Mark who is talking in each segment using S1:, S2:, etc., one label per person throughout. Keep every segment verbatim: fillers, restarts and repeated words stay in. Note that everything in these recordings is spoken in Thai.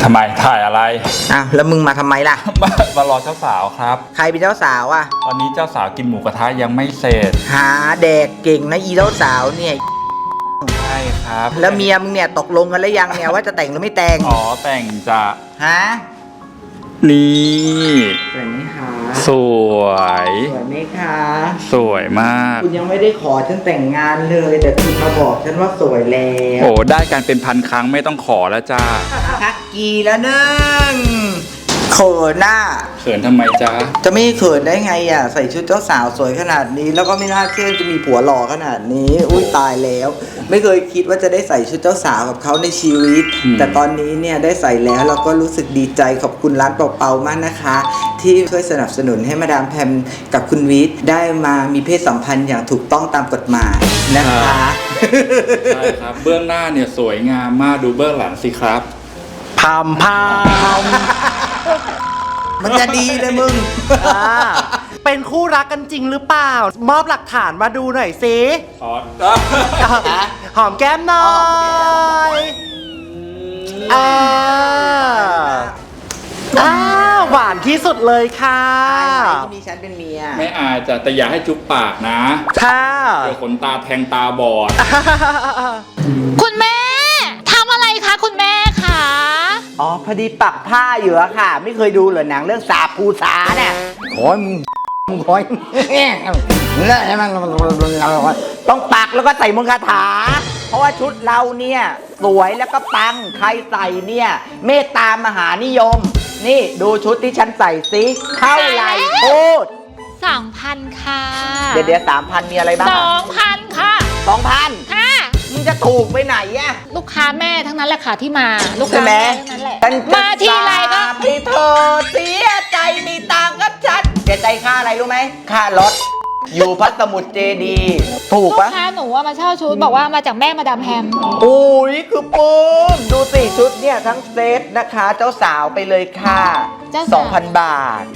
S1: ทำไมถ่ายอะไร
S2: อ่ะแล้วมึงมาทำไมล่ะ
S1: มารอเจ้าสาวครับ
S2: ใครเป็นเจ้าสาวอ่ะ
S1: ตอนนี้เจ้าสาวกินหมูกระทะยังไม่เสร็จ
S2: หาแดกเก่งนะอีเจ้าสาวเนี่ย
S1: ใช่ครับ
S2: แล้วเมียมึงเนี่ยตกลงกันแล้วยังเนี่ยว่าจะแต่งหรือไม่แต่ง
S1: อ๋อแต่งจะ
S2: ฮะ
S1: นี่
S2: สวยไหมคะ
S1: สวย
S2: สวยไหมคะ
S1: สวยมาก
S2: คุณยังไม่ได้ขอฉันแต่งงานเลยแต่คุณมาบอกฉันว่าสวยแล้ว
S1: โอ้ได้การเป็นพันครั้งไม่ต้องขอแล้วจ้า
S2: ทักกีแล้วนึ่งเขินหน้า
S1: เขินทำไมจ้า
S2: จะไม่เขินได้ไงอ่ะใส่ชุดเจ้าสาวสวยขนาดนี้แล้วก็ไม่น่าเชื่อจะมีผัวหล่อขนาดนี้อุ้ยตายแล้วไม่เคยคิดว่าจะได้ใส่ชุดเจ้าสาวกับเขาในชีวิตแต่ตอนนี้เนี่ยได้ใส่แล้วเราก็รู้สึกดีใจขอบคุณร้านเป่าๆมากนะคะที่ช่วยสนับสนุนให้มาดามแพมกับคุณวิทย์ได้มามีเพศสัมพันธ์อย่างถูกต้องตามกฎหมายนะคะ
S1: ใช่ครับเบื้องหน้าเนี่ยสวยงามมากดูเบื้องหลังสิครับ
S2: พามพามมันจะดีเลยมึง
S3: เป็นคู่รักกันจริงหรือเปล่ามอบหลักฐานมาดูหน่อยสิหอมแก้มหน่อยอ่าอ้าวหวานที่สุดเลยค่ะ
S2: ที่มีฉันเป็นเมีย
S1: ไม่อายจ้ะแต่อย่าให้จุ๊บปากนะ
S3: ค่ะ
S1: เดี๋ยวขนตาแทงตาบอด
S4: คุณแม่ทำอะไรคะคุณแม่คะ
S2: อ๋อพอดีปักผ้าอยู่อะค่ะไม่เคยดูเหรอหนังเรื่องสาภูษาเนี่ยโอ้ยมึงมึงโอ้ยต้องปักแล้วก็ใส่มงคาถาเพราะว่าชุดเราเนี่ยสวยแล้วก็ปังใครใส่เนี่ยเมตตามหานิยมนี่ดูชุดที่ฉันใส่สิเท่าไหร่พูด
S4: สองพันค่ะ
S2: เดี๋ยวเดี๋ยวสามพันมีอะไรบ้าง
S4: สองพันค่ะ
S2: สองพัน
S4: ค่ะ
S2: มึงจะถูกไปไหนอะ
S4: ลูกค้าแม่ทั้งนั้นแหละค่ะที่มาลูกค้าแม่ทั้งนั้นแหละมาทีไรก็
S2: พี่เธอเสียใจมีตังกับฉันเสียใจค่าอะไรรู้ไหมค่ารถอยู่พัสมุทรเจดีถูกปะ
S4: ลูกค้าหนูว่ามาเช่าชุดบอกว่ามาจากแม่มาดามแฮม
S2: อุ้ยคือปุ้มดูสิชุดเนี่ยทั้งเซตนะคะเจ้าสาวไปเลยค่ะ สองพัน บาท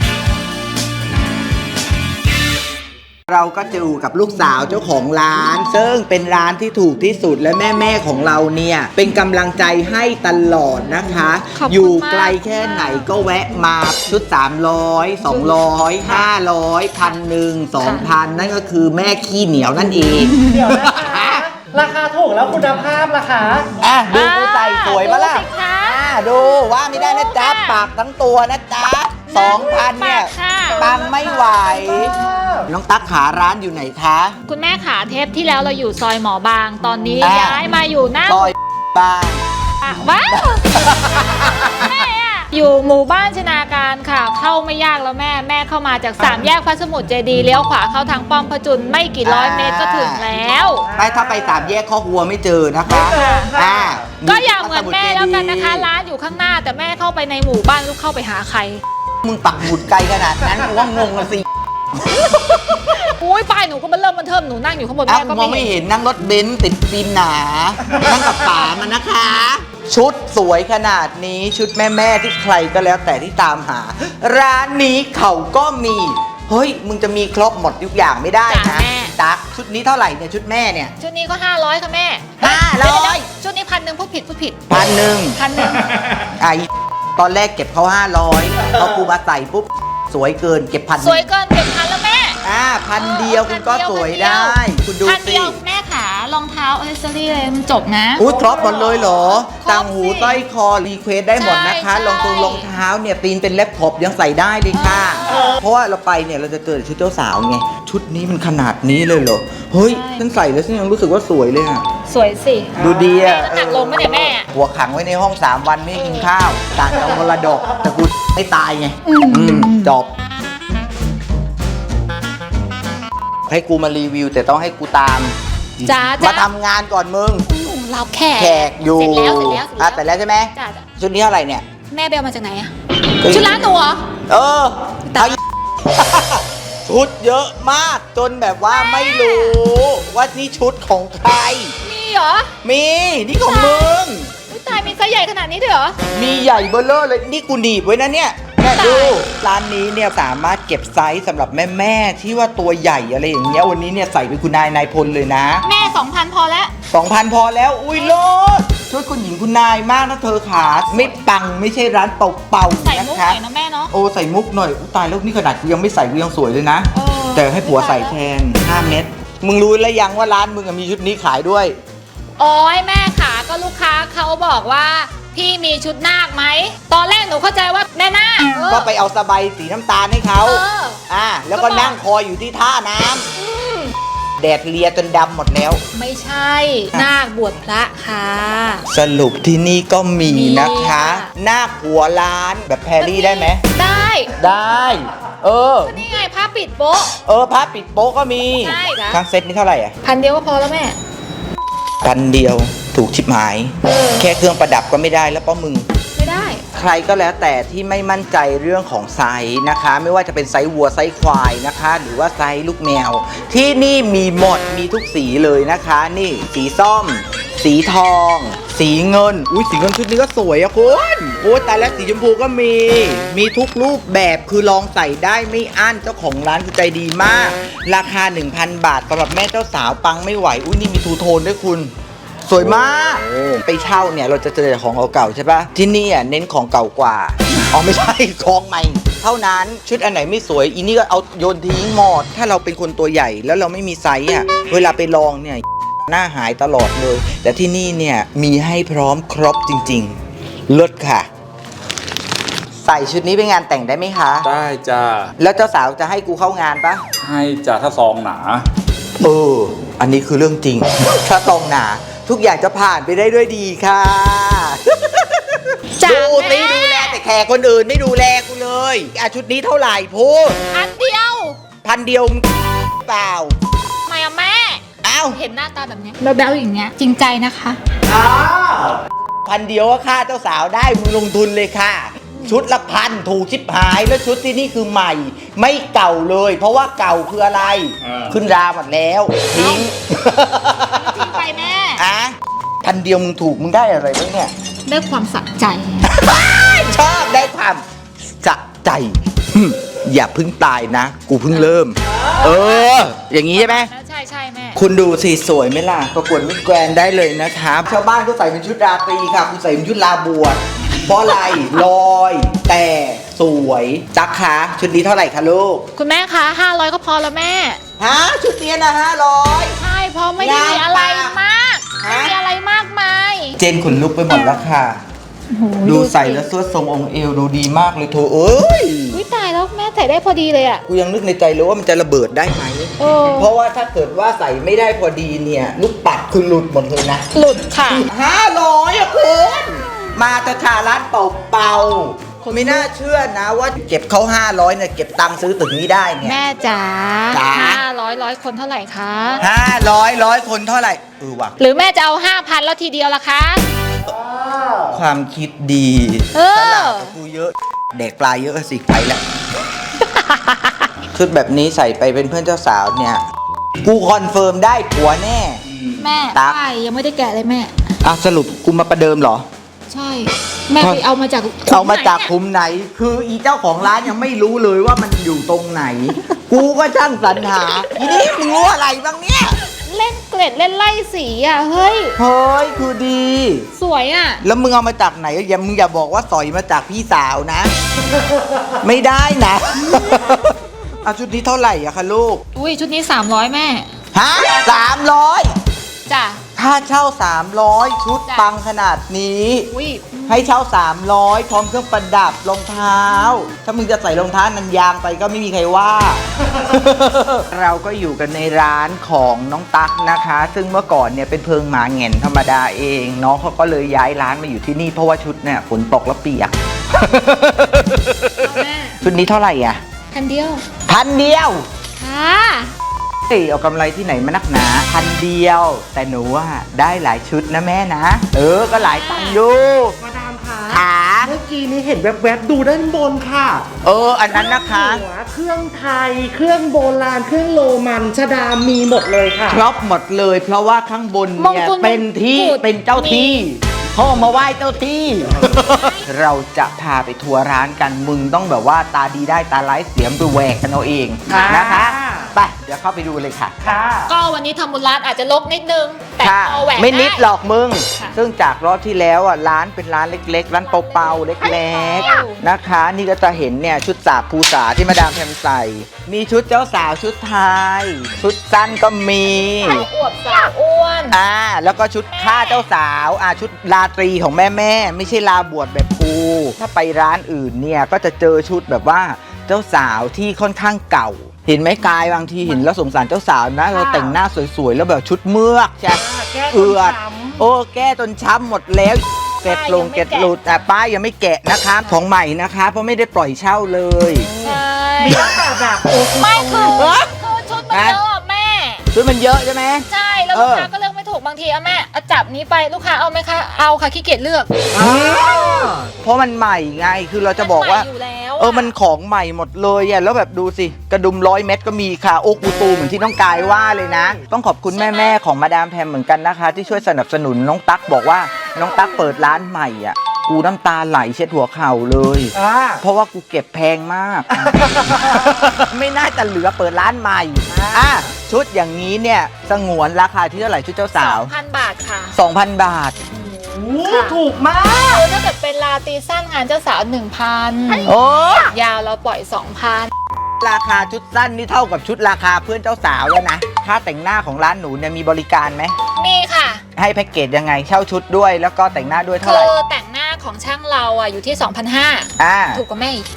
S2: เราก็จะอยู่กับลูกสาวเจ้าของร้านซึ่งเป็นร้านที่ถูกที่สุดและแม่แม่ของเราเนี่ยเป็นกำลังใจให้ตลอดนะคะอยู่ไกลแค่ไหนก็แวะมาชุดสามร้อย สองร้อย ห้าร้อย พันหนึ่ง สองพันนั่นก็คือแม่ขี้เหนียวนั่นเอง
S3: เดี๋ยวนะคะราคาถูกแล้วคุณภาพล่ะคะ
S2: อ่ะดูกูใส่สวยปะล่ะอ่ะดูว่าไม่ได้นะจ๊ะปากทั้งตัวนะจ๊ะสองพันเนี่ยปังไม่ไหวน้องตั๊กขาร้านอยู่ไหนคะ
S4: คุณแม่ขาเทปที่แล้วเราอยู่ซอยหมอบางตอนนี้ย้ายมาอยู่หน้า
S2: ซอยบาง
S4: ว้าวแม่อะอยู่หมู่บ้านชนาการค่ะเข้าไม่ยากแล้วแม่แม่เข้ามาจากสามแยกพระสมุทรเจดีย์เลี้ยวขวาเข้าทางป้อมพระจุลไม่กี่ร้อยเมตรก็ถึงแล้ว
S2: ไปถ้าไปสามแยกข้อวัวไม่เจอนะคะอ่า
S4: ก็อย่าเหมือนแม่แล้วกันนะคะร้านอยู่ข้างหน้าแต่แม่เข้าไปในหมู่บ้านลูกเข้าไปหาใคร
S2: มึงปักหมุดไกลขนาดนั้นกูว่างงละสิ
S4: อุ้ยป้ายหนูก็มาเริ่มมันเทิมหนูนั่งอยู่ข้างบนแม่ก็
S2: ไม่เห็นนั่งรถเบนซ์ติดฟิล์มหนานั่งกับป๋ามันนะคะชุดสวยขนาดนี้ชุดแม่แม่ที่ใครก็แล้วแต่ที่ตามหาร้านนี้เขาก็มีเฮ้ยมึงจะมีครบหมดทุกอย่างไม่ได้นะตั๊กชุดนี้เท่าไหร่เนี่ยชุดแม่เนี่ย
S4: ชุดนี้ก็ห้าร้อยค่ะแม่
S2: ห้าร้อย
S4: ชุดนี้พันหนึ่งพูดผิดพูดผิด
S2: พันหนึ่ง
S4: พันหนึ่ง
S2: ไอตอนแรกเก็บเขาห้าร้อยพอกูมาใส่ปุ๊บสวยเกินเก็บพัน
S4: สวยเกินเก็บพันแล้วแม่
S2: อ่าพันเดียวคุณก็สวยได้คุณดูสิพันเดียว
S4: แม่ขารองเท้าอ c เซอรี่เลยมันจบนะ
S2: อุ้ยครบหมดเลยเหรอต่างหูสร้อยคอรีเควสได้หมดนะคะรองรองเท้าเนี่ยตีนเป็นเล็บขบยังใส่ได้เลยค่ะเพราะว่าเราไปเนี่ยเราจะเจอชุดเจ้าสาวไงชุดนี้มันขนาดนี้เลยเหรอเฮ้ยฉันใส่แล้วฉันยังรู้สึกว่าสวยเลยอ่ะ
S4: สวยสิ
S2: ดูดีอ่ะ
S4: หนักลงไหมเนี่ยแม่
S2: หัวขังไว้ในห้องสามวันไม่กินข้าวต่างจากมรดกแต่กูไม่ตายไงจบให้กูมารีวิวแต่ต้องให้กูตาม
S4: จ้า
S2: มาทำงานก่อนมึง
S4: เราแขก
S2: แขกอยู่
S4: เสร็จแล้วเสร็จแล้ว
S2: อ่ะแต่แล้วใช่ไหมชุดนี้เท่าไหร่เนี่ย
S4: แม่เบลมาจากไหนอะชุดร้านหนูเหรอ
S2: เออชุดเยอะมากจนแบบว่าไม่รู้ว่านี่ชุดของใคร
S4: มีเหรอ
S2: มีนี่ของมึง
S4: ตายมีไซส์ใหญ่ขนาดนี้ด้วยเหรอ
S2: มีใหญ่เบ้อเร่อเลยนี่กูหนีบไว้นะเนี่ยแม่ดูร้านนี้เนี่ยสามารถเก็บไซส์สำหรับแม่แม่ที่ว่าตัวใหญ่อะไรอย่างเงี้ยวันนี้เนี่ยใส่เป็นคุณนายนายพลเลยนะ
S4: แม่ สองพัน พอแล้ว
S2: สองพัน พอแล้วอุ้ยโลดเธชุดคุณหญิงคุณนายมากนะเธอขาไม่ปังไม่ใช่ร้านเป่า
S4: ใส่
S2: ๆนะ
S4: มุกห
S2: คะ
S4: น่อยนะแม่เนาะ
S2: โอ้ใส่มุกหน่อยอุ๊ยตายแล้วนี่ขนาดกูยังไม่ใส่กูยังสวยเลยนะ
S4: เออ
S2: แต่ให้ผัวใส่แทนห้าเม็ดมึงรู้แล้วยังว่าร้านมึงอะมีชุดนี้ขายด้วย
S4: โอ้ยแม่ขาก็ลูกค้าเขาบอกว่าพี่มีชุดนาคไหมตอนแรกหนูเข้าใจว่าแม่นาคเออ
S2: ก็ไปเอาสบายสีน้ำตาลให้เขา
S4: เออ
S2: อ่าแล้วก็นั่งคอยอยู่ที่ท่าน้ำแดดเลียจนดำหมดแล้ว
S4: ไม่ใช่นาคบวชพระค่ะ
S2: สรุปที่นี่ก็มี
S4: มี
S2: นะคะ
S4: ค่ะ
S2: หน้าหัวร้านแบบแพรรี่ได้ไหม
S4: ได้
S2: ได้ เออ
S4: ก็นี่ไงผ้าปิดโป๊ะ
S2: เออผ้าปิดโป๊ะก็มี
S4: ใช่ค่ะ
S2: ทั้งเซ็ตนี่เท่าไหร่อ่ะ
S4: พันเดียวก็พอแล้วแม่
S2: พันเดียวถูกชิบหาย
S4: เออ
S2: แค่เครื่องประดับก็ไม่ได้แล้วป้ามึง
S4: ไม่ได้
S2: ใครก็แล้วแต่ที่ไม่มั่นใจเรื่องของไซส์นะคะ ไม่ว่าจะเป็นไซส์วัวไซส์ควายนะคะ หรือว่าไซส์ลูกแมว ที่นี่มีหมดมีทุกสีเลยนะคะ นี่สีส้ม สีทอง สีเงินอุ้ยสีเงินชุดนี้ก็สวยอะคุณโอ้แต่แล้วสีชมพูก็มี มีทุกรูปแบบคือลองใส่ได้ไม่อั้นเจ้าของร้านคือใจดีมาก ราคา หนึ่งพัน บาทสำหรับแม่เจ้าสาวปังไม่ไหวอุ้ยนี่มีทูโทนด้วยคุณ สวยมาก ไปเช่าเนี่ยเราจะเจอแต่ของเก่าๆใช่ปะที่นี่อ่ะเน้นของเก่ากว่า อ๋อไม่ใช่ ของใหม่ เท่านั้นชุดอันไหนไม่สวยอีนี่ก็เอาโยนทิ้งหมด ถ้าเราเป็นคนตัวใหญ่แล้วเราไม่มีไซส์อ่ะ เวลาไปลองเนี่ยหน้าหายตลอดเลย แต่ที่นี่เนี่ยมีให้พร้อมครบจริงๆเลิศค่ะ ใส่ชุดนี้ไปงานแต่งได้ไหมคะ
S1: ได้จ้า
S2: แล้วเจ้าสาวจะให้กูเข้างานปะ
S1: ให้จ้าถ้าซองหนา
S2: เออ อันนี้คือเรื่องจริง ถ้าตรงหนาทุกอย่างจะผ่านไปได้ด้วยดีค่ะ
S4: จ้ะ
S2: ดูสิ
S4: แม่
S2: ดูแลแต่แขกคนอื่นไม่ดูแลกูเลยอ่ะชุดนี้เท่าไหร่พูด
S4: พันเดียว
S2: พันเดียวเปล่า
S4: ทำไมอะแม่
S2: อ้าว
S4: เห็นหน้าตาแบบเนี้ยแบ๊วๆอย่างเงี้ยจริงใจนะคะ
S2: อ้าวพันเดียวก็ค่าเจ้าสาวได้มึงลงทุนเลยค่ะ ชุดละพันถูกชิบหายแล้วชุดที่นี่คือใหม่ ไม่เก่าเลย เพราะว่าเก่าคืออะไร
S1: อ่า
S2: ขึ้นราหมดแล้วทิ้ง
S4: จริงไปแม่
S2: อ่ะพันเดียวมึงถูกมึงได้อะไรบ้างเนี่ย
S4: ได้ความสะใจ
S2: ชอบได้ความสะใจหึอย่าเพิ่งตายนะ กูเพิ่งเริ่ม เออ อย่างนี้ใช่ไหม
S4: ใช่ใช่แม่
S2: คุณดูสิสวยไหมล่ะ ประกวดมิสแกรนด์ได้เลยนะครับ ชาวบ้านก็ใส่เป็นชุดราตรีค่ะคุณใส่เป็นชุดลาบวชเพราะอะไรลอย แต่สวยจักคะชุดนี้เท่าไหร่คะลูก
S4: คุณแม่คะห้าร้อยก็พอแล้วแม่
S2: ฮะชุดนี้นะห้าร้อย
S4: ใช่เพราะไม่ได้มีอะไรมาก
S2: ฮะ
S4: ไม่มีอะไรมากมาย
S2: เจนขนลุกไปหมดแล้วค่ะ
S4: โอ้โห
S2: ดูใส่แล้วสวดทรงองค์เอวดูดีมากเลยโถเอ้ย
S4: อุ้ยตายแล้วแม่ใส่ได้พอดีเลยอ่ะ
S2: กูยังนึกในใจเลยว่ามันจะระเบิดได้ไหม
S4: เออ
S2: เพราะว่าถ้าเกิดว่าใส่ไม่ได้พอดีเนี่ย ลูกปัดคือหลุดหมดเลยนะ
S4: หลุดค่ะ
S2: ห้าร้อยอะคุณมาตะคาร้านเป่าเป่าๆไม่น่าเชื่อนะว่าเก็บเขาห้าร้อยเนี่ยเก็บตังค์ซื้อตึกนี้ได้เนี่ย
S4: แม่จ๋า
S2: จ๋า
S4: ห้าร้อยร้อยคนเท่าไหร่คะ
S2: ห้าร้อยร้อยคนเท่าไหร่เออว่ะ
S4: หรือแม่จะเอาห้าพันแล้วทีเดียวล่ะคะ
S2: ความคิดดี
S4: เออ
S2: ตลาดกับกูเยอะเด็กปลายเยอะสิไปแล้ว ชุดแบบนี้ใส่ไปเป็นเพื่อนเจ้าสาวเนี่ย กูคอนเฟิร์มได้ผัวแน่
S4: แม่
S2: ตั๊ก
S4: ป้ายยังไม่ได้แกะเลยแม่
S2: อ่ะสรุปกูมาประเดิมเหรอ
S4: ใช่ แม่ไปเอามาจาก
S2: เอามาจาก
S4: ไหนเนี่ย
S2: คุ้มไหน คืออีเจ้าของร้านยังไม่รู้เลยว่ามันอยู่ตรงไหน กูก็ช่างสรรหาอีนี่มึงรู้อะไรบ้างเนี่ย
S4: เล่นเกล็ดเล่นไล่สีอ่ะ เฮ้ย
S2: เฮ้ยคือดี
S4: สวยอ่ะ
S2: แล้วมึงเอามาจากไหนอย่ามึงอย่าบอกว่าสอยมาจากพี่สาวนะ ไม่ได้นะ เอาชุดนี้เท่าไหร่อะคะลูก
S4: อุ้ยชุดนี้สามร้อยแม่
S2: ฮะสามร้อย
S4: จ้ะ
S2: ค่าเช่าสามร้อยชุด
S4: จ้ะ
S2: ปังขนาดนี้
S4: อุ้ย
S2: ให้เช่าสามร้อยพร้อมเครื่องประดับรองเท้า ถ้ามึงจะใส่รองเท้านันยางไปก็ไม่มีใครว่า เราก็อยู่กันในร้านของน้องตั๊กนะคะ ซึ่งเมื่อก่อนเนี่ยเป็นเพิงหมาแหง่นธรรมดาเอง น้องเขาก็เลยย้ายร้านมาอยู่ที่นี่เพราะว่าชุดเนี่ยฝนตกแล้วเปียก
S4: แม่
S2: ชุดนี้เท่าไหร่อ่ะ
S4: พันเดียว
S2: พันเดียว
S4: ค่ะ
S2: เอ้ยเอากำไรที่ไหนมานักหนาพันเดียว แต่หนูว่าได้หลายชุดนะแม่นะ เออก็หลายตังค์อยู่
S3: มาดามคะ
S2: ขา
S3: เมื่อกี้นี้เห็นแวบๆดูด้านบนค่ะ
S2: เอออันนั้นนะคะ
S3: หัวเครื่องไทย เครื่องโบราณ เครื่องโรมันชดามีหมดเลยค่ะ
S2: ครบหมดเลย เพราะว่าข้างบนเนี่ย
S4: มงกุฎ
S2: เป็นที่
S4: มงกุฎ
S2: เป็นเจ้าที่เขาเอามาไหว้เจ้าที่ เราจะพาไปทัวร์ร้านกันมึงต้องแบบว่าตาดีได้ตาร้ายเสียมไปแหวกกันเอาเองนะคะ
S3: อ่า
S2: ไปเดี๋ยวเข้าไปดูเลยค่ะ
S3: ค่ะ
S4: ก็วันนี้ทำบุญร้านอาจจะลกนิดนึง แต่
S2: ค่ะ
S4: พอแหวก
S2: ไม่นิด
S4: ได้
S2: หรอกมึง
S4: ค่ะ
S2: ซึ่งจากรอบที่แล้วอ่ะร้านเป็นร้านเล็กๆ ร้านเปาๆเล็กๆนะคะ นี่ก็จะเห็นเนี่ยชุดสาบภูษาที่มาดามแพมใส่ มีชุดเจ้าสาวชุดไทย ชุดสั้นก็มี
S4: สาวอวบสาวอ้วน
S2: อ่าแล้วก็ชุดผ้าเจ้าสาวอ่าชุดราตรีของแม่แม่ๆไม่ใช่ลาบวชแบบกูถ้าไปร้านอื่นเนี่ยก็จะเจอชุดแบบว่าเจ้าสาวที่ค่อนข้างเก่า เห็นไหมกายบางทีเห็นแล้วสงสารเจ้าสาวนะเราแต่งหน้าสวยๆแล้วแบบชุดเมือกใช่
S3: แก้จน
S2: เอือด
S3: ช้ำ
S2: โอ้แก้จนช้ำหมดแล้วเกล็ดลงเกล็ดหลุดอ่ะป้ายยังไม่แกะนะคะของใหม่นะคะ เพราะไม่ได้ปล่อยเช่าเลย
S4: ใช่
S3: มีตั้งแต่แบบโอ้
S4: ไม่คือ
S2: เอ้ย
S4: คือชุดมันเยอะอะแม่
S2: ชุดมันเยอะใช่ไหม
S4: ใช่แล้ว
S2: เอ
S4: ลูก
S2: อ
S4: ค้าก็เลือกไม่ถูกบางทีอะแม่เอาจับนี้ไปลูกค้าเอาไหมคะเอาค่ะขี้เกียจเลือก
S3: อ่า
S2: เพราะมันใหม่ไงคือเราจะบอกว่า
S4: นใหม่อยู่แล้วะ
S2: เออ มันของใหม่หมดเลยอ่ะ แล้วแบบดูสิ กระดุมร้อยเม็ดก็มีค่ะ โอ้กูตูเหมือนที่น้องกายว่าเลยนะ ต้องขอบคุณแม่ ๆ ของมาดามแพมเหมือนกันนะคะ ที่ช่วยสนับสนุนน้องตั๊กบอกว่า น้องตั๊กเปิดร้านใหม่อ่ะ กูน้ำตาไหลเช็ดหัวเข่าเลย
S3: อ่า
S2: เพราะว่ากูเก็บแพงมาก ไม่น่าจะเหลือเปิดร้านใหม่อ่ะชุดอย่างนี้เนี่ยสงวนราคาที่เท่าไหร่ชุดเจ้าสาว
S4: สองพันบาทค่ะ
S2: สองพัน บาท
S3: โอ้ถูกมาก
S4: คือถ้าเกิดเป็นลาตรีสั้นงานเจ้าสาวหนึ่งพัน
S2: โอ้
S4: ยาวเราปล่อยสองพัน
S2: ราคาชุดสั้นนี่เท่ากับชุดราคาเพื่อนเจ้าสาวแล้วนะค่าแต่งหน้าของร้านหนูเนี่ยมีบริการไหม
S4: มีค่ะ
S2: ให้แพ็กเกจยังไงเช่าชุดด้วยแล้วก็แต่งหน้าด้วยเท่า
S4: คื
S2: ไหร่
S4: อแต่งหน้าของช่างเราอ่ะอยู่ที่ สองพันห้าร้อย
S2: อ่า
S4: ถูกกว่าแม่อีก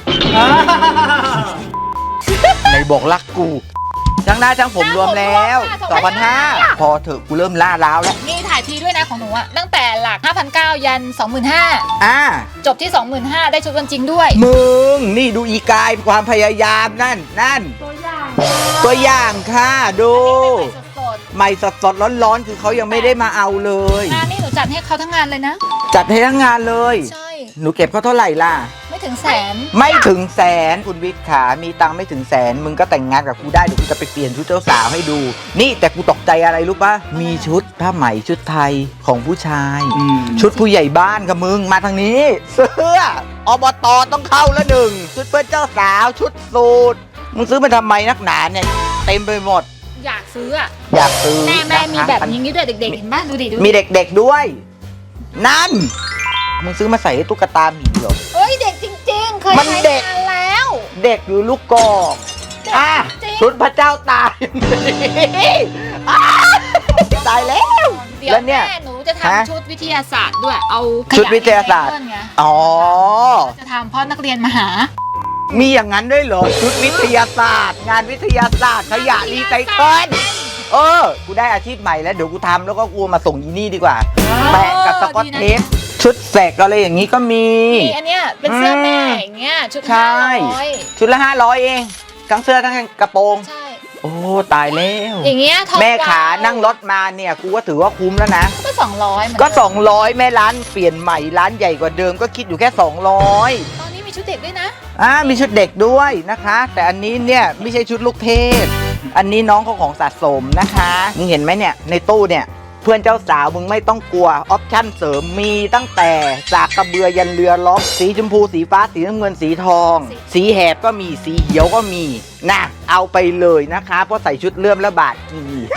S2: ในบอกรักกูช่างหน้าช่างผมรวมแล้วสองพันห้าพอเถอะกูเริ่มล่าล้าวแล้ว
S4: นี่ถ่ายทีด้วยนะของหนูอ่ะตั้งแต่หลัก ห้าพันเก้าร้อย ยัน สองหมื่นห้าพัน
S2: อ่า
S4: จบที่ สองหมื่นห้าพัน ได้ชุดวันจริงด้วย
S2: มึงนี่ดูอีกายความพยายามนั่นนั่น
S4: ตัวอย่าง
S2: ตัวอย่างค่ะดู
S4: สด
S2: ใหม่สดสดๆร้อนๆคือเขายังไม่ได้มาเอาเลย
S4: ๆงานนี่หนูจัดให้เขาทั้งงานเลยนะ
S2: จัดให้ทั้งงานเลย
S4: ใช่
S2: หนูเก็บเขาเท่าไหร่ล่ะ
S4: ไม่ถึงแสน
S2: ไม่ถึงแสนคุณวิทย์ขามีตังค์ไม่ถึงแสน มึงก็แต่งงานกับกูได้เดี๋ยวกูจะไปเปลี่ยนชุดเจ้าสาวให้ดู นี่แต่กูตกใจอะไรรู้ปะมีชุดผ้าไหมชุดไทยของผู้ชาย
S1: อืม
S2: ชุดผู้ใหญ่บ้านกับมึงมาทางนี้ เสื้ออบตต้องเข้าแล้วหนึ่งชุดเพื่อนเจ้าสาวชุดสูทมึงซื้อมาทำไมนักหนาเนี่ยเต็มไปหมด
S4: อยากซื้ออ่ะ
S2: อยากซื้อ
S4: แม่แม่มี
S2: นะคะ
S4: แบบนี้ด้วยเด็กๆเห็นป่ะดูดิดูดิ
S2: มีเด็กๆด้วย นั่นมึงซื้อมาใส่ให้ตุ๊กตาหมีเหรอ
S4: เอ้ยเด็กจริงๆ เคย
S2: มัน
S4: ใช้
S2: เด็ก
S4: งานแล้ว
S2: เด็กหรือลูกกอก
S4: เด็ก
S2: อ่ะ
S4: จริง
S2: ชุดพระเจ้าตายอ่ะตายแล้ว
S4: เดี๋ยว
S2: แล้วเนี่ย
S4: แม่หนูจะ
S2: ฮะ
S4: ทำชุดวิทยาศาสตร์ด้วยเอาขะ
S2: ชุดวิทยาศาสตร์
S4: รีไซเคิลไง
S2: อ๋อ
S4: จะทำเพราะนักเรียนมาหา
S2: มีอย่างนั้นด้วยเหรอ ชุดวิทยาศาสตร์ งานวิทยาศาสตร์ขยะรีไซเคิลเออ กูได้อาชีพใหม่แล้ว เดี๋ยวกูทำแล้วก็กูมาส่งอีนี่ดีกว่า แปะกับสกอตเทป ชุดแสกอะไรอย่างนี้ก็มี
S4: นี่อันเนี้ยเป็นเสื้อแม่
S2: อืม
S4: อย่างเงี้ยชุด
S2: ใช่
S4: ห้าร้อย
S2: ชุดละห้าร้อยเอง ทั้งเสื้อทั้งกระโปรง
S4: ใช่
S2: โอ้ ตายแล้ว
S4: อย่างเงี้ยทอง
S2: แม่ขา
S4: ว้ว
S2: นั่งรถมาเนี่ย กูก็ถือว่าคุ้มแล้วนะ
S4: ก็สองร้อยเหมือน
S2: ก็
S4: เดิม
S2: สองร้อยแม่ร้านเปลี่ยนใหม่ร้านใหญ่กว่าเดิมก็คิดอยู่แค่สองร้อย
S4: ตอนนี้มีชุดเด็กด้วยนะ
S2: อ่ามีชุดเด็กด้วยนะคะ แต่อันนี้เนี่ยไม่ใช่ชุดลูกเทพ อันนี้น้องเขาของสะสมนะคะมึงเห็นไหมเนี่ยในตู้เนี่ยเพื่อนเจ้าสาวมึงไม่ต้องกลัวออปชั่นเสริมมีตั้งแต่จากกระเบือยันเรือล็อกสีชมพูสีฟ้าสีน้ำเงินสีทอง สีแหบก็มีสีเขียวก็มีนะเอาไปเลยนะคะ เพราะใส่ชุดเลื่อมและบาทกี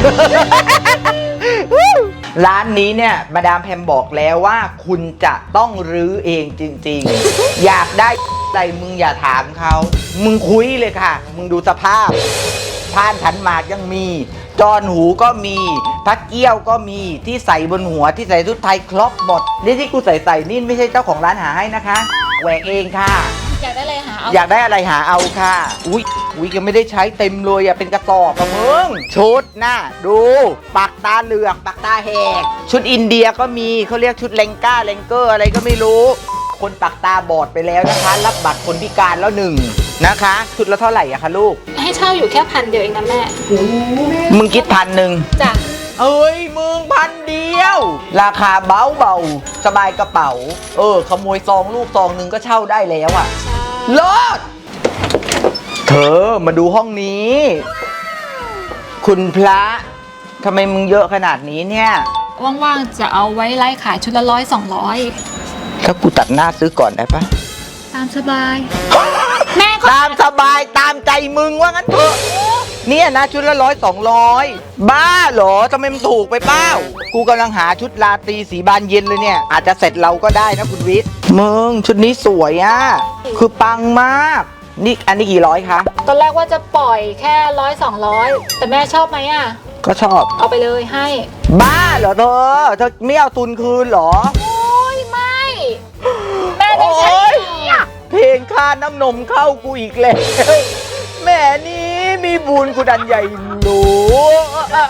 S2: ร้านนี้เนี่ยมาดามแพมบอกแล้วว่าคุณจะต้องรื้อเองจริงๆ อยากได้อะไรมึงอย่าถามเขามึงคุยเลยค่ะ มึงดูสภาพพานขันหมากยังมีจอนหูก็มีพักเกี้ยวก็มีที่ใส่บนหัวที่ใส่ชุดไทยครบหมดนี่ที่กูใส่ใส่นี่ไม่ใช่เจ้าของร้านหาให้นะคะแหวกเองค่ะ
S4: อยากได้อะไรหาเอา
S2: อยากได้อะไรหาเอาค่ะ อุ้ยอุ้ยยังไม่ได้ใช้เต็มเลยอะเป็นกระสอบอะมึง ชุดน่ะดูปากตาเหลือกปากตาแหก ชุดอินเดียก็มีเขาเรียกชุดเลงก้าเลงเกอร์อะไรก็ไม่รู้ คนปากตาบอดไปแล้วนะคะ รับบัตรคนพิการแล้วหนึ่งนะคะ ชุดละเท่าไหร่อะคะลูก
S4: ให้เช่าอยู่แค่พันเดียวเองนะแม่
S2: มึงคิดพันหนึ่ง
S4: จ้ะ
S2: เอ้ยมึงพันเดียว ราคาเบาเบาๆสบายกระเป๋า เออ ขโมยซองลูกซองหนึ่งก็เช่าได้แล้วอะ
S4: ใช่
S2: เลิศเธอมาดูห้องนี้ คุณพระทำไมมึงเยอะขนาดนี้เนี่ย
S4: ว่างๆจะเอาไว้ไล่ขายชุดละร้อยสองร้อย
S2: ถ้ากูตัดหน้าซื้อก่อนได้ปะ
S4: ตามสบาย แม่ก็
S2: ตามสบายตามใจมึงว่างั้นเถอะเนี่ยนะชุดละร้อยสองร้อยบ้าเหรอทำไมมันถูกไปเป้ากูกำลังหาชุดราตรีสีบานเย็นเลยเนี่ยอาจจะเสร็จเราก็ได้นะคุณวิทย์มึงชุดนี้สวยอ่ะคือปังมากนี่อันนี้กี่ร้อยคะ
S4: ตอนแรกว่าจะปล่อยแค่ร้อยสองร้อยแต่แม่ชอบไหมอ่ะ
S2: ก็ชอบ
S4: เอาไปเลยให้
S2: บ้าเหรอเธอเธอไม่เอาทุนคืนเหรอ
S4: โอ้ยไม่ แม่ได้ใช้
S2: โอ๊ย
S4: อ่ะ
S2: เพลงค่าน้ำนมเข้ากูอีกแล้วแม่นี้มีบุญกูดันใหญ่หลวง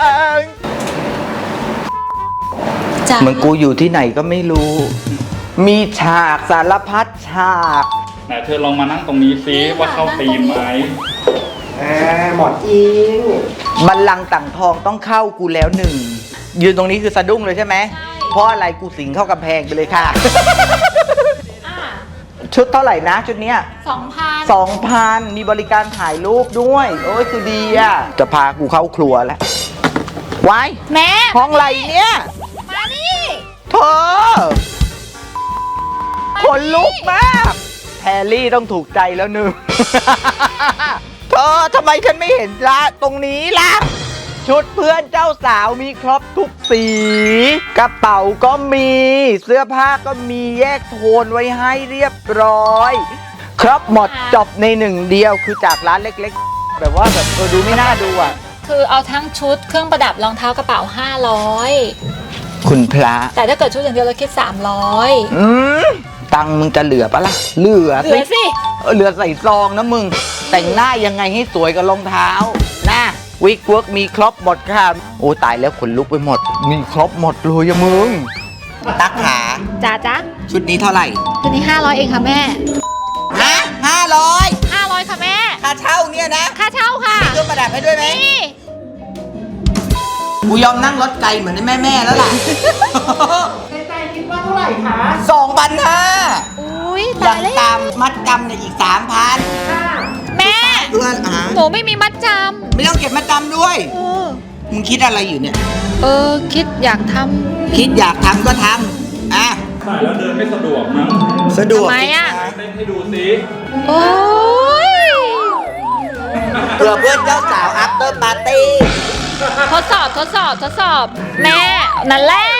S4: จ้ะ
S2: เหมือนกูอยู่ที่ไหนก็ไม่รู้ มีฉากสารพัดฉาก
S1: ไหนเธอลองมานั่งตรงนี้ซิว่าเข้าธีมไหม
S3: หมอนอิง
S2: บัลลังก์ต่างทองต้องเข้ากูแล้วหนึ่งยืนตรงนี้คือสะดุ้งเลยใช่ไหมเพราะอะไรกูสิงเข้ากำแพงไปเลยค่ะ
S4: อ่ะ
S2: ชุดเท่าไหร่นะชุดเนี้ย
S4: สองพัน
S2: สองพันมีบริการถ่ายรูปด้วย โอ้ยคือดีอ่ะ จะพากูเข้าครัวแล้วไว้
S4: แม่
S2: ห้องไรเนี่ย
S4: มานี่
S2: เธอขนลุกมากแพรรี่ต้องถูกใจแล้วหนึ่ง เธอทำไมฉันไม่เห็นละตรงนี้ล่ะ ชุดเพื่อนเจ้าสาวมีครบทุกสี กระเป๋าก็มี เสื้อผ้าก็มีแยกโทนไว้ให้เรียบร้อย ครบหมดจบในหนึ่งเดียวคือจากร้านเล็กๆ แบบว่าแบบเออดูไม่น่าดูอ่ะ
S4: คือเอาทั้งชุดเครื่องประดับรองเท้ากระเป๋าห้าร้อย
S2: คุณพระ
S4: แต่ถ้าเกิดชุดอย่างเดียวเราคิดสามร้อย
S2: อืมตังค์มึงจะเหลือปะล่ะ เหลือ
S4: เหลือสิ
S2: เออเหลือใส่ซองนะมึง แต่งหน้ายังไงให้สวยกับรองเท้านะวิกเวิร์กมีครบหมดค่ะ โอ้ตายแล้วขนลุกไปหมด มีครบหมดเลยอะมึง ตักขา
S4: จ้าจ้า
S2: ชุดนี้เท่าไหร่
S4: ชุดนี้ห้าร้อยเองค่ะแม่
S2: ฮะห้าร้อย
S4: ห้าร้อยค่ะแม่
S2: ค่าเช่าเนี่ยนะ
S4: ค่าเช่าค่ะ
S2: มีเครื่องประดับให้ด้วยไหม
S4: นี่
S2: กูยอมนั่งรถไกลเหมือนแม่แม่ๆแล้วล่ะ
S3: ใจคิดว่าเท่าไหร่คะ
S2: สองพันห้า
S4: อุ้ย
S2: อย่า
S4: ตาง ยแล้ว
S2: ตามมัดจำเนี่ยอีกสามพัน
S4: แม่
S2: เพื่อนอ่ะ
S4: หนูไม่มีมัดจ
S2: ไม่ต้องเก็บมัดจำด้วย
S4: ำเออ
S2: มึงคิดอะไรอยู่เนี่ย
S4: เออ คิดอยากท
S2: คิดอยากทำก็ทำอ่ะ
S1: ใส่แล้วเดินไม่สะดวกมั้ง
S2: สะดวก
S4: ทำไมอ่ะ
S1: เต้นให้ดูสิ
S4: ำโอ้ย
S2: เผื่อเพื่อนเจ้าสาว after party
S4: ทดสอบทดสอบทดสอบ แม่ นั่นแหละ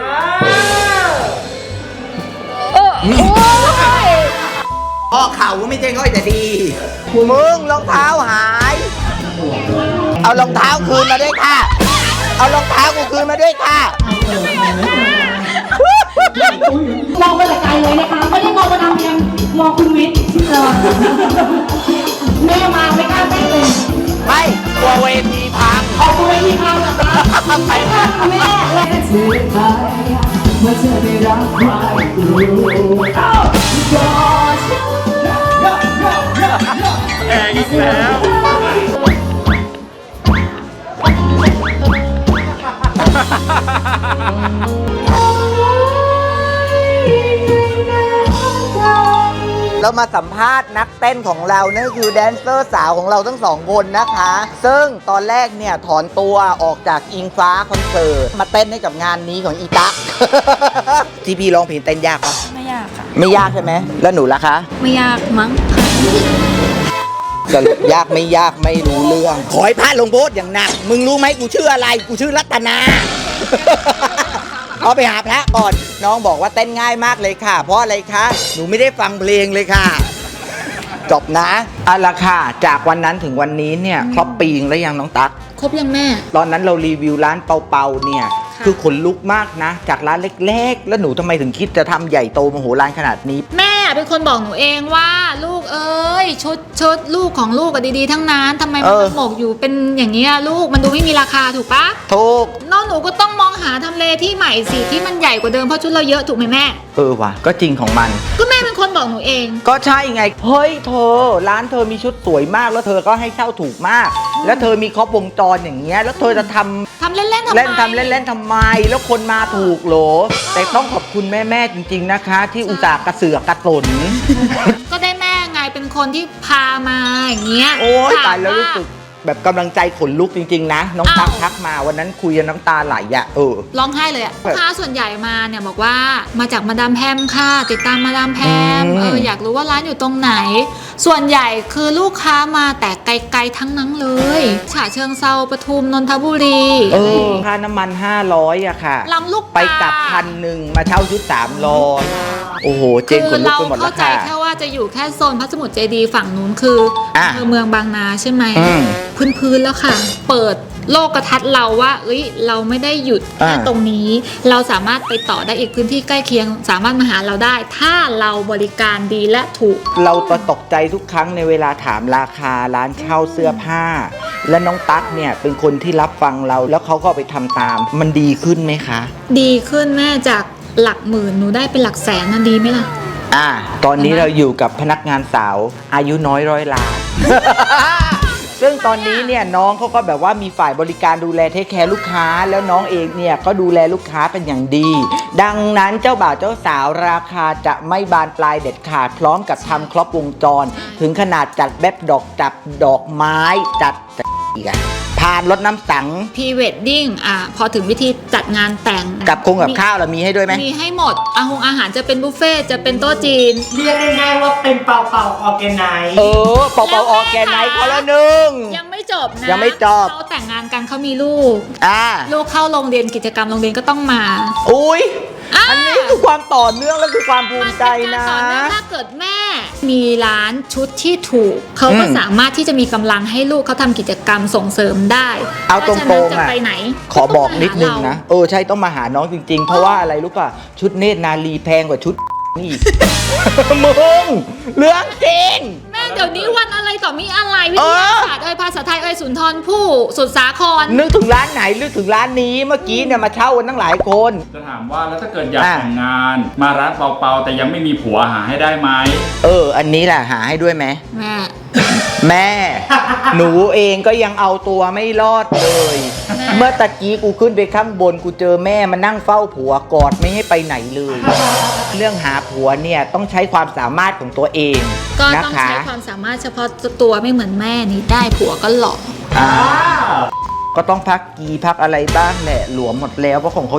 S4: เออโอ้ย
S2: พ่อเข่าก็ไม่ใช่ค่อยจะดี มึงรองเท้าหาย เอารองเท้าคืนมาด้วยค่ะ เอารองเท้ากูคืนมาด้วยค่ะ
S5: มองไปแต่ไกลเลยนะคะ ไม่ได้มองมาทางเพียงมองคุณวิทย์เออแม่มาไม่กล้าเต้นเลย
S2: ไม่กลัวเวทีพัง
S5: ออกตัวเวทีพังนะคะ
S2: ไป
S5: ค่ะแม่เลยเสียใจเมื่อเธอได้รักใครรู้อ้าวก็ฉัน
S1: แองอีกแล้ว
S2: เรามาสัมภาษณ์นักเต้นของเรานั่นคือแดนเซอร์สาวของเราทั้งสองคนนะคะ ซึ่งตอนแรกเนี่ยถอนตัวออกจากอิงฟ้าคอนเสิร์ตมาเต้นให้กับงานนี้ของอีตั๊ก ทีพีร้องเพลงเต้นยากปะ
S5: ไม่ยากค่ะ
S2: ไม่ยากใช่ไหมแล้วหนูล่ะคะ
S5: ไม่ยากมั้ง
S2: สรุปยากไม่ยากไม่รู้เรื่อง ขอให้พลาดลงโทษอย่างหนัก มึงรู้ไหมกูชื่ออะไร กูชื่อรัตนา เอาไปหาพระก่อน น้องบอกว่าเต้นง่ายมากเลยค่ะ เพราะอะไรคะ หนูไม่ได้ฟังเพลงเลยค่ะ จบนะเอาละค่ะ จากวันนั้นถึงวันนี้เนี่ยครบปีงแล้วยังน้องตั๊ก
S4: ครบยังแม่
S2: ตอนนั้นเรารีวิวร้านเปาเปาเนี่ย คือขนลุกมากนะ จากร้านเล็กๆ แล้วหนูทำไมถึงคิดจะทำใหญ่โตมโหฬารขนาดนี้
S4: แม่เป็นคนบอกหนูเองว่าลูกเอ้ยชุดชุดลูกของลูกอะดีๆทั้งนั้นทำไมมัน
S2: เออ
S4: หมกอยู่เป็นอย่างนี้ยลูกมันดูไม่มีราคาถูกปะ
S2: ถูก
S4: น้องหนูก็ต้องมองหาทำเลที่ใหม่สิที่มันใหญ่กว่าเดิมเพราะชุดเราเยอะถูกไหมแม่
S2: เออว่ะก็จริงของมัน
S4: ก็แม่เป็นคนบอกหนูเอง
S2: ก็ใช่ไง เฮ้ยเธอ ร้านเธอมีชุดสวยมากแล้วเธอก็ให้เช่าถูกมาก แล้วเธอมีครบวงจรอย่างเงี้ยแล้วเธอจะทำ
S4: ทำเล่นๆทำไม
S2: เล่นทำเล่นๆทำไม แล้วคนมาถูกเหรอ แต่ต้องขอบคุณแม่ๆจริง ๆนะคะ ที่อุตส่าห์กระเสือกกระสน
S4: ก็ได้แม่ไงเป็นคนที่พามาอย่างเงี้ย
S2: โอ้ย
S4: ถม
S2: ตายแล้วรู้สึกแบบกำลังใจขนลุกจริง ๆ นะ น้องตั๊ก
S4: อ้าว
S2: ทักมาวันนั้นคุยกันน้ำตาไหลอะเออ
S4: ร้องไห้เลยอะลูกค้าส่วนใหญ่มาเนี่ยบอกว่ามาจากมาดามแพมค่ะ ติดตามมาดามแพม
S2: อืม
S4: เอออยากรู้ว่าร้านอยู่ตรงไหนส่วนใหญ่คือลูกค้ามาแต่ไกลๆทั้งนั้นเลยฉะเชิงเซาปทุมนนทบุรี
S2: เออค่าน้ำมันห้าร้อยอะค่ะ
S4: ลำลูก
S2: ไปกลับพันหนึ่งมาเช่าชุดสามร้อยโอ้โหเจน
S4: คื
S2: ข
S4: อน
S2: ลุก
S4: เรา
S2: ไปหมดแล้
S4: เข้าว ใจ
S2: ค่ะ
S4: แค่ว่าจะอยู่แค่โซนพระสมุทรเจดีย์ฝั่งนู้นคืออ
S2: อ่ะ
S4: อำเภอเมืองบางนาใช่ไหม
S2: อืม
S4: พื้นๆแล้วค่ะ เปิดโลกทัศน์เราว่าเอ้ยเราไม่ได้หยุดแค่
S2: อ่า
S4: ตรงนี้ เราสามารถไปต่อได้อีกพื้นที่ใกล้เคียง สามารถมาหาเราได้ ถ้าเราบริการดีและถูก
S2: เราจะตกใจทุกครั้งในเวลาถามราคาร้านเช่าเสื้อผ้า และน้องตั๊กเนี่ยเป็นคนที่รับฟังเราแล้วเขาก็เอาไปทำตาม มันดีขึ้นไหมคะ
S4: ดีขึ้นแม่จากหลักหมื่นหนูได้เป็นหลักแสนนะดีไหมล่ะ
S2: อ่าตอนนี้เราอยู่กับพนักงานสาวอายุน้อยร้อยล้าน ซึ่งตอนนี้เนี่ยน้องเขาก็แบบว่ามีฝ่ายบริการดูแลเทคแคร์ลูกค้า แล้วน้องเองเนี่ยก็ดูแลลูกค้าเป็นอย่างดี ดังนั้นเจ้าบ่าวเจ้าสาวราคาจะไม่บานปลายเด็ดขาดพร้อมกับทำครบวงจร ถึงขนาดจัดแบ็คดอกจับดอกไม้จัดอีกอะพานรถน้ำสัง
S4: พรีเวดดิ้งอ่ะพอถึงวิธีจัดงานแต่ง
S2: กับคงกับข้าวเรามีให้ด้วยไหม
S4: มีให้หมดอาหงอาหารจะเป็นบุฟเฟ่ต์จะเป็นโต๊ะจีน
S3: เรียกง่ายๆว่าเป็นเป่าเป่าออร์แกไนซ์
S2: เออเป่าเป่าออร์แกไนซ์เขาละหนึ่ง
S4: ยังไม่จบนะ
S2: ยังไม่จบ
S4: เขาแต่งงานกันเขามีลูก
S2: อ่า
S4: ลูกเข้าโรงเรียนกิจกรรมโรงเรียนก็ต้องมา
S2: อุ้ย
S4: อ่า
S2: อันนี้คือความต่อเนื่องและคือความภูมิใจ
S4: มัเป็
S2: นะ
S4: การต่อเนื่องถ้าเกิดแม่ มีร้านชุดที่ถูก เขาก็
S2: อืม
S4: สามารถที่จะมีกำลังให้ลูกเขาทำกิจกรรมส่งเสริมได้
S2: เอาตรงๆ
S4: พะฉะนั้นจะ
S2: อะ
S4: ไปไหน
S2: ขอบอกนิดนึง
S4: ก็ต้องมาหา
S2: นะ
S4: เรา
S2: เออใช่ต้องมาหาน้องจริงๆ เพราะว่าอะไรรู้ป่ะ ชุดเนตรนารีแพงกว่าชุด นี่อีก มึงเรื่องจริง
S4: แม่เดี๋ยวนี้วันอะไรต่อมีอะไรวิ
S2: เอ
S4: ท
S2: อ
S4: ยาศาสตร์เอ่ยภาษาไทยเอ่ยสุนทรภู่สุดสาคร
S2: นึกถึงร้านไหนนึกถึงร้านนี้เมื่อกี้เนี่ยมาเช่ากันตั้งหลายคน
S1: จะถามว่าแล้วถ้าเกิดอยาก
S2: อ่ะ
S1: แต่งงาน มาร้านเปาๆแต่ยังไม่มีผัวหาให้ได้ไหม
S2: เออ อันนี้แหละหาให้ด้วยไหม
S4: แม่
S2: แม่ หนูเองก็ยังเอาตัวไม่รอดเลย
S4: แม่
S2: เมื่อตะกี้กูขึ้นไปข้างบนกูเจอแม่มานั่งเฝ้าผัวกอดไม่ให้ไปไหนเลย เรื่องหาผัวเนี่ยต้องใช้ความสามารถของตัวเอง
S4: ก็
S2: นะ
S4: ต้อง
S2: คะ
S4: ใช้ความสามารถเฉพาะตัวไม่เหมือนแม่นี่ได้ผัวก็หล่อ
S2: อ่าก็ต้องพักกีพักอะไรบ้างแหละหลวมหมดแล้วเพราะของเขา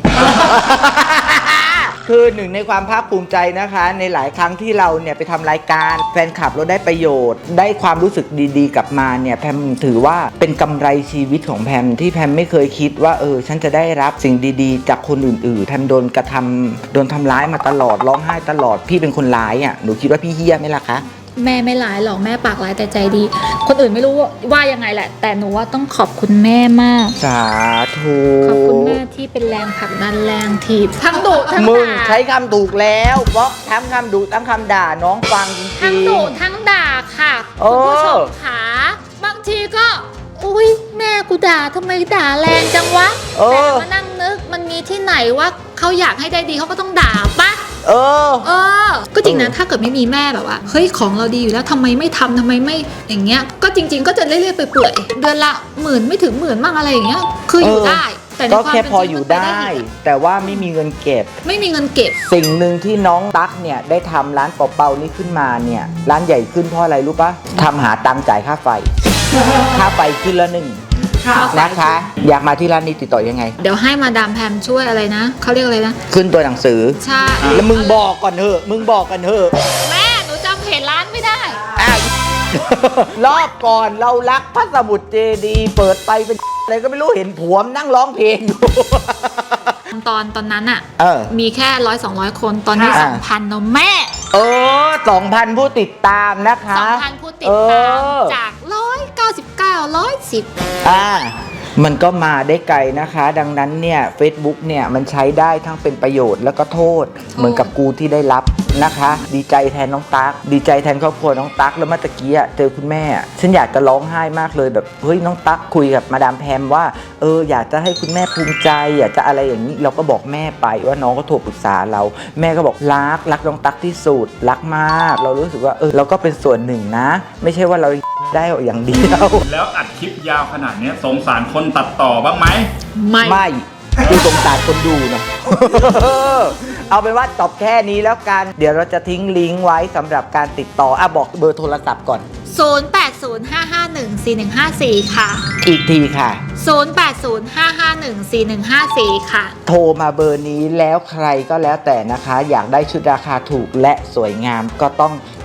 S2: คือหนึ่งในความภาคภูมิใจนะคะ ในหลายครั้งที่เราเนี่ยไปทำรายการแฟนคลับเราได้ประโยชน์ ได้ความรู้สึกดีๆกลับมาเนี่ยแพมถือว่าเป็นกำไรชีวิตของแพมที่แพมไม่เคยคิดว่าเออฉันจะได้รับสิ่งดีๆ จากคนอื่นๆแพมโดนกระทำโดนทำร้ายมาตลอดร้องไห้ตลอดพี่เป็นคนร้ายอ่ะหนูคิดว่าพี่เฮี้ยไหมล่ะคะ
S4: แม่ไม่ร้ายหรอกแม่ปากร้ายแต่ใจดี คนอื่นไม่รู้ว่ายังไงแหละ แต่หนูว่าต้องขอบคุณแม่มาก
S2: สาธุ
S4: ขอบคุณแม่ที่เป็นแรงผลักดันแรงถีบทั้งดุทั้ง
S2: มึง
S4: ด่า
S2: ใช้คำถูกแล้ว เพราะทั้งคำดุทั้งคำด่าน้องฟังจริงๆ
S4: ทั้งดุทั้งด่าค่ะ
S2: เออ
S4: คุณผู้ชมขาบางทีก็ อุ้ยแม่กูด่าทำไมด่าแรงจังวะ
S2: เอ
S4: แต่
S2: อ
S4: มานั่งนึกมันมีที่ไหนว่าเขาอยากให้ได้ดีเขาก็ต้องด่าปะ
S2: เออ
S4: เออ ก็จริงนะ
S2: เออ
S4: ถ้าเกิดไม่มีแม่แบบว่า เฮ้ย ของเราดีอยู่แล้วทำไมไม่ทำทำไมไม่ อย่างเงี้ย ก็จริง ๆ ก็จะเรื่อยๆไปเปื่อยๆเดือนละหมื่นไม่ถึงหมื่นบ้างอะไรอย่างเงี้ย คืออยู่ได้ แต่ใน
S2: ก็
S4: ความ
S2: แค่
S4: เป็น
S2: พอ
S4: จริง
S2: อยู่
S4: มันป
S2: ได้
S4: อีกอะ
S2: แต่ว่าไม่มีเงินเก็บ
S4: ไม่มีเงินเก็บ
S2: สิ่งหนึ่งที่น้องตั๊กเนี่ยได้ทำร้านเป่าๆนี้ขึ้นมาเนี่ยร้านใหญ่ขึ้นเพราะอะไรรู้ปะทำหาตังค์จ่ายค่าไฟ ค่าไฟขึ้นละหนึ่งนะคะ อยากมาที่ร้านนี้ติดต่อยังไง
S4: เดี๋ยวให้มาดามแพมช่วยอะไรนะ เขาเรียกอะไรนะ
S2: ขึ้นตัวหนังสือ
S4: ใช่
S2: แล้วมึงบอกก่อนเถอะมึงบอกกันเถอะ
S4: แม่ หนูจำเพจร้านไม่ได้
S2: อ้าว รอบก่อนเรารักพระสมุทรเจดีย์เปิดไปเป็นอะไรก็ไม่รู้เห็นผัวมนั่งร้องเพลงอยู่
S4: ตอนตอนนั้นอะ
S2: เออ
S4: มีแค่ร้อยสองร้อยคน ตอนนี้
S2: อ่า
S4: สองพันเนอะแม่
S2: เออสองพันผู้ติดตามนะคะ
S4: สองพันผู้ติดตาม
S2: เออ
S4: จากร้อยเก้าสิบเก้าร้อยสิบ
S2: อ่ามันก็มาได้ไกลนะคะ ดังนั้นเนี่ย Facebook เนี่ยมันใช้ได้ทั้งเป็นประโยชน์แล้วก็โทษ เหมือนกับกูที่ได้รับนะคะ ดีใจแทนน้องตั๊กดีใจแทนครอบครัวน้องตั๊กแล้วเมื่อตะกี้อะเจอคุณแม่อะฉันอยากจะร้องไห้มากเลยแบบเฮ้ยน้องตั๊กคุยกับมาดามแพมว่าเอออยากจะให้คุณแม่ภูมิใจอยากจะอะไรอย่างนี้เราก็บอกแม่ไปว่าน้องก็โทรปรึกษาเราแม่ก็บอกรักรักน้องตั๊กที่สุดรักมาก เรารู้สึกว่าเออเราก็เป็นส่วนหนึ่งนะ ไม่ใช่ว่าเราได้อย่างเดียว
S1: แล้วอัดคลิปยาวขนาดเนี้ยสงสารคนตัดต่อบ้างไหม
S4: ไม่
S2: ไม่ดูสงสารคนดูนะ เอาเป็นว่าจบแค่นี้แล้วกัน เดี๋ยวเราจะทิ้งลิงก์ไว้สำหรับการติดต่ออ่ะบอกเบอร์โทรศัพท์ก่อน
S4: ศูนย์ แปด ศูนย์ ห้า ห้า หนึ่ง สี่ หนึ่ง ห้า สี่ ค่ะ
S2: อีกทีค่ะ
S4: ศูนย์ แปด ศูนย์ ห้า ห้า หนึ่ง สี่ หนึ่ง ห้า สี่ ค่ะ
S2: โทรมาเบอร์นี้แล้วใครก็แล้วแต่นะคะ อยากได้ชุดราคาถูกและสวยงามก็ต้อง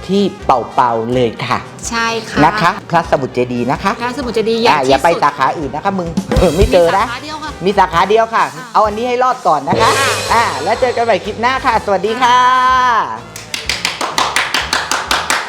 S2: ที่เป่าๆเลยค่ะ
S4: ใช่ค่ะ
S2: นะคะพระสมุทรเจดีย์นะคะ
S4: พระสมุทรเจดีย์ใหญ่
S2: อ่า
S4: ที่
S2: อย่าไป
S4: สุด
S2: สาขาอื่นนะคะมึง เออไม่เจอนะ
S4: มีสาขาเดียวค่ะ
S2: มีสาขาเดียวค่ะ เอาอันนี้ให้รอดก่อนนะคะ อ่า แล้วเจอกันใหม่คลิปหน้าค่ะ สวัสดีค่ะ